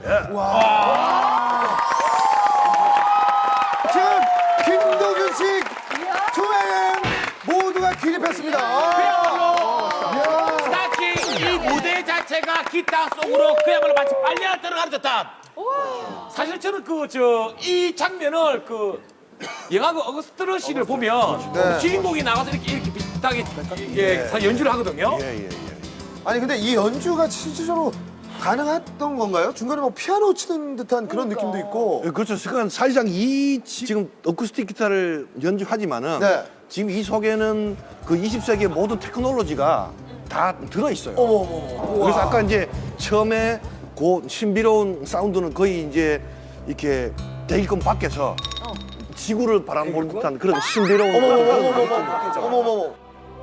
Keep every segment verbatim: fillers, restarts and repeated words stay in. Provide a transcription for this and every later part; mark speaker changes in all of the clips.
Speaker 1: 지금 김도균 씨 투맨 모두가 기립했습니다.
Speaker 2: 스타킹 이 무대 자체가 기타 속으로 그야말로 마치 빨려 들어가는 듯한. 사실 저는 그 저 이 장면을 그 영화 그 어거스트 러시를 보면
Speaker 1: 네.
Speaker 2: 주인공이 나가서 이렇게 이렇게 비슷하게 예, 연주를 하거든요.
Speaker 3: 예, 예, 예.
Speaker 1: 아니 근데 이 연주가 실질적으로 가능했던 건가요? 중간에 뭐 피아노 치는 듯한 그런 느낌도 있고.
Speaker 3: 예, 그렇죠. 그러니까 사실상 이 지금 어쿠스틱 기타를 연주하지만은
Speaker 1: 네.
Speaker 3: 지금 이 속에는 그 이십 세기의 모든 테크놀로지가 다 들어 있어요.
Speaker 1: 어머머머.
Speaker 3: 그래서 아까 이제 처음에 그 신비로운 사운드는 거의 이제 이렇게 대기권 밖에서 지구를 바라볼 듯한 그런 신비로운 그런 느낌이 있죠.
Speaker 1: 어머머머.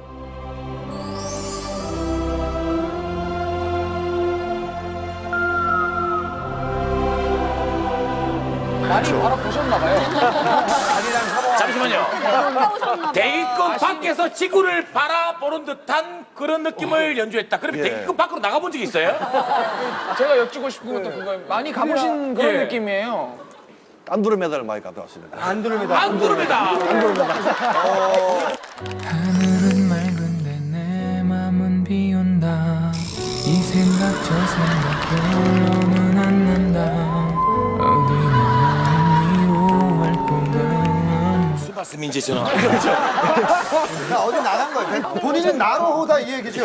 Speaker 2: 잠시만요. 대기권 밖에서 지구를 바라보는 듯한 그런 느낌을 연주했다. 그러면
Speaker 3: 예.
Speaker 2: 대기권 밖으로 나가본 적이 있어요?
Speaker 4: 제가 여쭙고 싶은 것도 그거예요. 많이 가보신 그런
Speaker 2: 예.
Speaker 4: 느낌이에요.
Speaker 3: 안드로메다를 많이 갖다 왔습니다.
Speaker 1: 안드로메다.
Speaker 2: 안드로메다.
Speaker 5: 하늘은 맑은데 내 맘은 비온다. 이 생각 저 생각 결론은 안 난다. 어디는 미워할 거면
Speaker 2: 무슨 말씀인지 저는.
Speaker 1: 야, 어디 나간 거예요? 본인은 나로호다 이 얘기죠.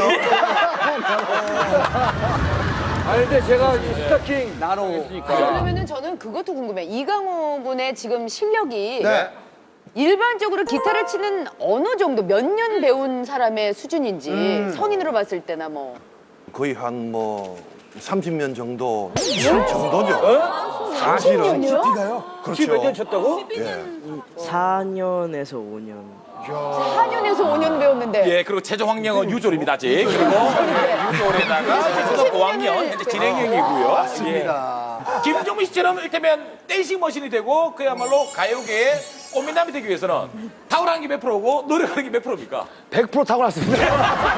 Speaker 6: 아 근데 제가 이 스타킹 나로 했으니까
Speaker 7: 그러면은 저는 그것도 궁금해. 이강호 군의 지금 실력이
Speaker 1: 네.
Speaker 7: 일반적으로 기타를 치는 어느 정도 몇 년 배운 사람의 수준인지 성인으로 봤을 때나 뭐.
Speaker 3: 거의 한 뭐 삼십 년 정도 칠 정도죠. 사실은
Speaker 7: 년이요?
Speaker 3: 그렇죠.
Speaker 6: 몇 년 쳤다고?
Speaker 8: 사 년에서 오 년.
Speaker 7: 사 년에서 오 년 배웠는데.
Speaker 2: 예, 그리고 최종 학력은 유졸입니다, 아직. 그리고 유졸에다가 초등학교 오 학년, 현재 진행형이고요.
Speaker 1: 맞습니다.
Speaker 2: 예. 김종민 씨처럼 이를테면 댄싱 머신이 되고 그야말로 가요계의 꽃미남이 되기 위해서는 탁월한 게 몇 프로고 노력하는 게 몇 프로입니까?
Speaker 6: 백 퍼센트 타고났습니다.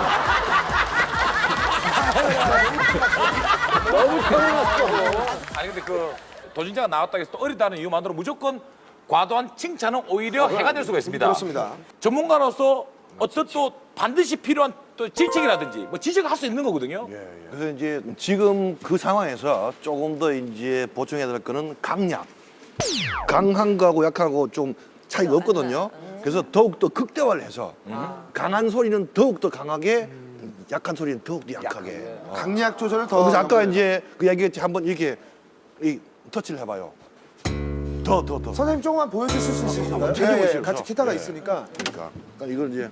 Speaker 6: 너무 편해놨어.
Speaker 2: 아니 근데 그 도전자가 나왔다고 해서 또 어리다는 이유만으로 무조건 과도한 칭찬은 오히려 해가 될 수가 있습니다.
Speaker 1: 그렇습니다.
Speaker 2: 전문가로서 어떤 또 반드시 필요한 또 질책이라든지 뭐 지적을 할 수 있는 거거든요.
Speaker 3: 그래서 이제 지금 그 상황에서 조금 더 이제 보충해야 될 거는 강약. 강한 거하고 약하고 좀 차이가 없거든요. 그래서 더욱더 극대화를 해서 강한 소리는 더욱더 강하게, 약한 소리는 더욱더 약하게. 어.
Speaker 1: 강약 조절을 더.
Speaker 3: 그래서 아까
Speaker 1: 하는 거예요.
Speaker 3: 이제 그 얘기했지 한번 이렇게 이 터치를 해봐요. 더, 더, 더.
Speaker 1: 선생님 조금만 보여주실 수 있으신가요?
Speaker 3: 제대로
Speaker 1: 예, 예,
Speaker 3: 보여주셔서.
Speaker 1: 같이 기타가
Speaker 3: 예.
Speaker 1: 있으니까.
Speaker 3: 그러니까, 그러니까 이걸 이제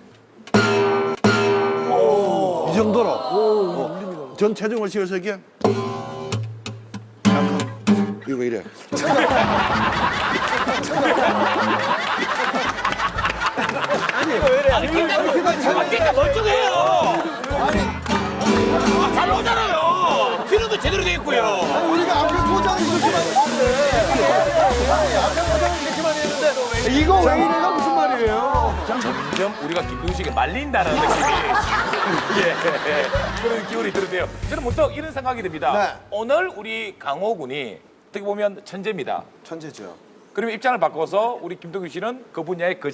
Speaker 3: 이 정도로 어, 전 체중을 실어서 이게 이거 이래.
Speaker 2: 아니 그러니까 멀쩡해요. 아, 잘 나오잖아요. 피는도 제대로 돼 있고요.
Speaker 1: 아니, 우리가 앞에 포장을 이렇게만 했는데. 앞에 포장을 이렇게만 했는데. 이거 왜 이래가 무슨 말이에요?
Speaker 2: 점점 우리가 김동식에 말린다는 느낌이 예, 그런 기운이 드는데요. 저는 문득 이런 생각이 듭니다.
Speaker 1: 네.
Speaker 2: 오늘 우리 강호 군이 어떻게 보면 천재입니다.
Speaker 1: 천재죠.
Speaker 2: 그러면 입장을 바꿔서 우리 김동규 씨는 그 분야의 그